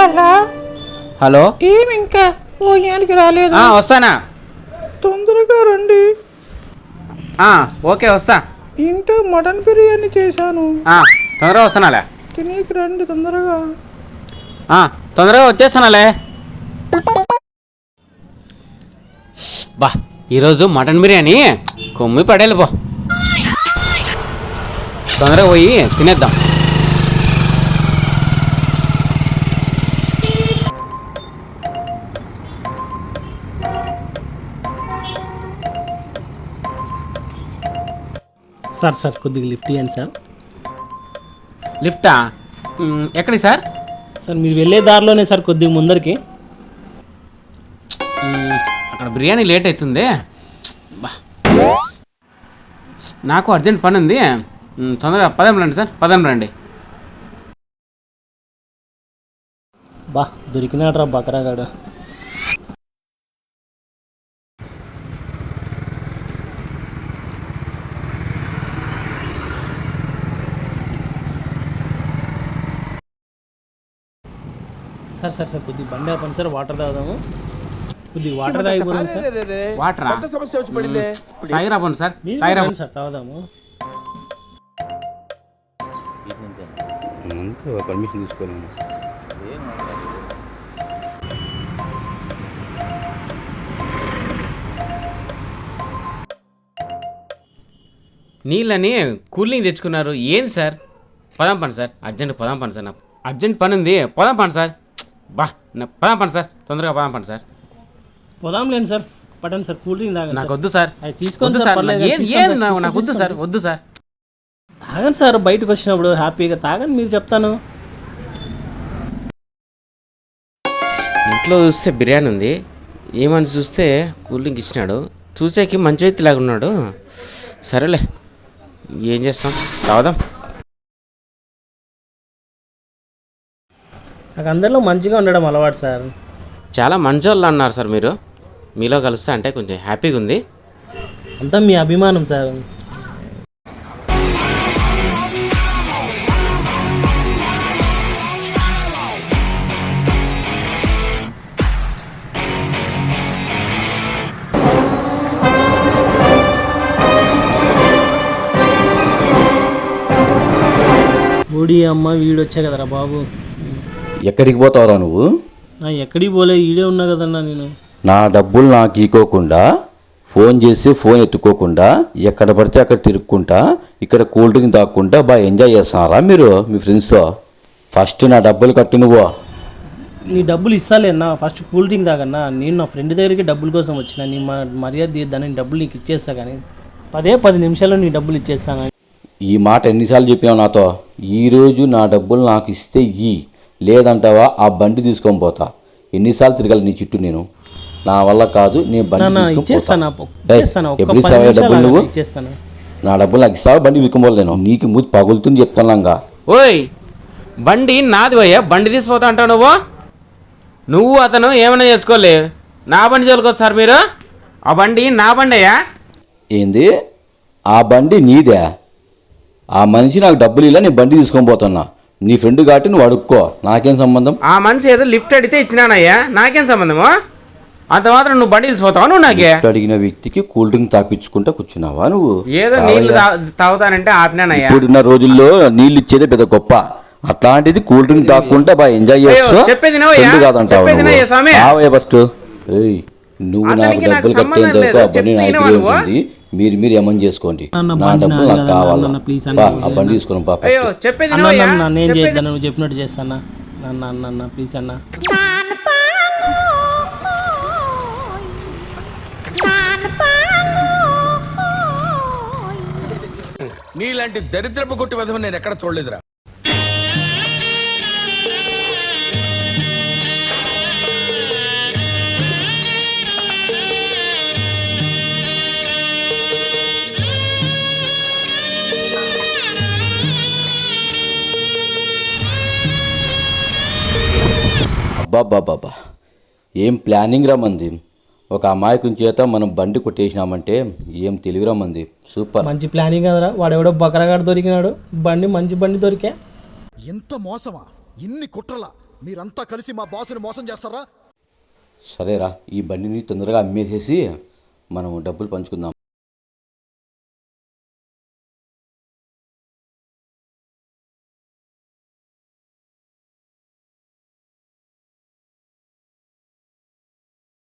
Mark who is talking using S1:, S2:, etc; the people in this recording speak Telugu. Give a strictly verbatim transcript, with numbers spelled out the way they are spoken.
S1: హలో
S2: హలో
S1: ఏమి ఇంకా భోజనానికి రాలేదు?
S2: వస్తానా,
S1: తొందరగా రండి.
S2: ఓకే వస్తా.
S1: ఇంట్లో మటన్ బిర్యానీ చేశాను,
S2: తొందరగా వస్తానాలే.
S1: తినేకి రండి తొందరగా.
S2: తొందరగా వచ్చేస్తానాలే. బా ఈరోజు మటన్ బిర్యానీ కొమ్మి పడేలు పో. తొందరగా పోయి తినేద్దాం.
S3: సార్ సార్ కొద్దిగా లిఫ్ట్ ఇవ్వండి సార్.
S2: లిఫ్టా? ఎక్కడికి సార్?
S3: సార్ మీరు వెళ్ళే దారిలోనే సార్, కొద్దిగా ముందరికి.
S2: అక్కడ బిర్యానీ లేట్ అవుతుంది. బా నాకు అర్జెంట్ పని ఉంది, తొందరగా పదం రండి సార్, పదం రండి.
S3: బా దొరికినాడ్రా బకరాగాడు. సార్ సార్ సార్ కొద్దిగా బండి ఆపండి సార్, వాటర్ తాగుదాము. కొద్దిగా వాటర్ తాగిపోదాం సార్.
S2: వాటరా? టైర్ ఆపండి సార్, టైర్ ఆపండి
S3: సార్, తాగుదాము.
S4: పర్మిషన్ తీసుకోలేము.
S2: నీళ్ళని కూలింగ్ తెచ్చుకున్నారు ఏంది సార్? పదాం పని సార్, అర్జెంట్ పదాం పని సార్, నాకు అర్జెంట్ పని ఉంది, పదాం పని సార్. బా పదాం పని సార్, తొందరగా పదాం పని సార్.
S3: పోదాం లేండి సార్, పట్టండి సార్. కూల్ డ్రింక్ తాగండి.
S2: నాకు వద్దు సార్,
S3: తీసుకోండి
S2: సార్,
S3: సార్.
S2: నాకు వద్దు సార్, వద్దు సార్.
S3: తాగండి సార్, బయటకు వచ్చినప్పుడు హ్యాపీగా తాగండి. మీరు చెప్తాను.
S2: ఇంట్లో చూస్తే బిర్యానీ ఉంది, ఏమని చూస్తే కూల్ డ్రింక్ ఇచ్చినాడు. చూసేకి మంచి వ్యక్తి లాగా ఉన్నాడు. సరేలే, ఏం చేస్తాం, తాగుదాం.
S3: నాకు అందరిలో మంచిగా ఉండడం అలవాటు సార్.
S2: చాలా మంచి వాళ్ళు అన్నారు సార్ మీరు. మీలో కలుస్తా అంటే కొంచెం హ్యాపీగా ఉంది.
S3: అంతా మీ అభిమానం సార్. ఓడి అమ్మ వీడొచ్చా కదరా బాబు.
S4: ఎక్కడికి పోతావురా నువ్వు?
S3: ఎక్కడికి పోలే, ఈడే ఉన్నా కదన్నా నేను.
S4: నా డబ్బులు నాకు ఈకోకుండా, ఫోన్ చేసి ఫోన్ ఎత్తుకోకుండా, ఎక్కడ పడితే అక్కడ తిరుక్కుంటా, ఇక్కడ కూల్ డ్రింక్ తాక్కుంటా బాగా ఎంజాయ్ చేస్తున్నారా మీరు మీ ఫ్రెండ్స్తో? ఫస్ట్ నా డబ్బులు కట్టు నువ్వు.
S3: నీ డబ్బులు ఇస్తాలేనా, ఫస్ట్ కూల్ డ్రింక్ తాగన్నా. నేను నా ఫ్రెండ్ దగ్గరికి డబ్బుల కోసం వచ్చిన, నీ మర్యాద తీద్దాని డబ్బులు నీకు ఇచ్చేస్తా. కానీ పదే పది నిమిషాల్లో నీ డబ్బులు ఇచ్చేస్తాను.
S4: ఈ మాట ఎన్నిసార్లు చెప్పావు నాతో? ఈరోజు నా డబ్బులు నాకు ఇస్తే ఇయ్యి, లేదంటావా ఆ బండి తీసుకొని పోతా. ఎన్నిసార్లు తిరగాలి నీ చుట్టూ నేను? నా వల్ల కాదు, నేను బండి ఎప్పుడు ఇస్తావా డబ్బులు నువ్వు? నా డబ్బులు నాకు ఇస్తావా? బండి విక్కుపోలేను, నీకు మూతి పగులుతుంది చెప్తానుగా.
S2: ఓయ్ బండి నాది పోయా, బండి తీసిపోతా అంటావు నువ్వు. నువ్వు అతను ఏమైనా చేసుకోలే, నా బండి చదువుకోవచ్చు మీరు. ఆ బండి నా బండి అయ్యా.
S4: ఏంది? ఆ బండి నీదే? ఆ మనిషి నాకు డబ్బులు ఇలా నేను బండి తీసుకొని పోతున్నా. నీ ఫ్రెండ్ కాబట్టి నువ్వు అడుక్కో, నాకేం సంబంధం?
S2: ఆ మనిషి ఏదో లిఫ్ట్ అడిగితే ఇచ్చినానయ్యా, నాకేం సంబంధము? అంత మాత్రం నువ్వు బండి తీసిపోతావా నువ్వు? నాకే
S4: అడిగిన వ్యక్తికి కూల్ డ్రింక్ తాపించుకుంటా కూర్చున్నావా నువ్వు?
S2: ఏదో నీళ్ళు తాగుతానంటే ఆపినానయ్యా.
S4: ఇప్పుడున్న రోజుల్లో నీళ్ళు ఇచ్చేదే పెద్ద గొప్ప, అట్లాంటిది కూల్ డ్రింక్ తాక్కుంటా బాగా ఎంజాయ్ చేస్తూ ఫస్ట్. నువ్వు నాకు డబ్బులు కట్టేంత ఆ బండి నా దగ్గర ఉంటుంది, మీరు మీరు ఏమని చేసుకోండి. నా డబ్బులు నాకు కావాలా? ఆ బండి తీసుకుని పాప.
S3: నేను చేద్దాను, నువ్వు చెప్పినట్టు చేస్తానా అన్న. అన్న అన్న ప్లీజ్ అన్న.
S5: నీలాంటి దరిద్రపు కొట్టి విధం నేను ఎక్కడ చూడలేదురా.
S4: అబ్బాబ్బాబ్బా, ఏం ప్లానింగ్ రా మంది. ఒక అమాయకుని చేత మనం బండి కొట్టేసినామంటే ఏం తెలివిరా మంది. సూపర్,
S3: మంచి ప్లానింగ్ కదరా. వాడెవడో బకరగాడు దొరికినాడు, బండి మంచి బండి దొరికా.
S6: ఎంత మోసమా, ఇన్ని కుట్రలా, మీరంతా కలిసి మా బాసుని మోసం చేస్తారా?
S4: సరేరా, ఈ బండిని తొందరగా అమ్మేసేసి మనం డబ్బులు పంచుకుందాం.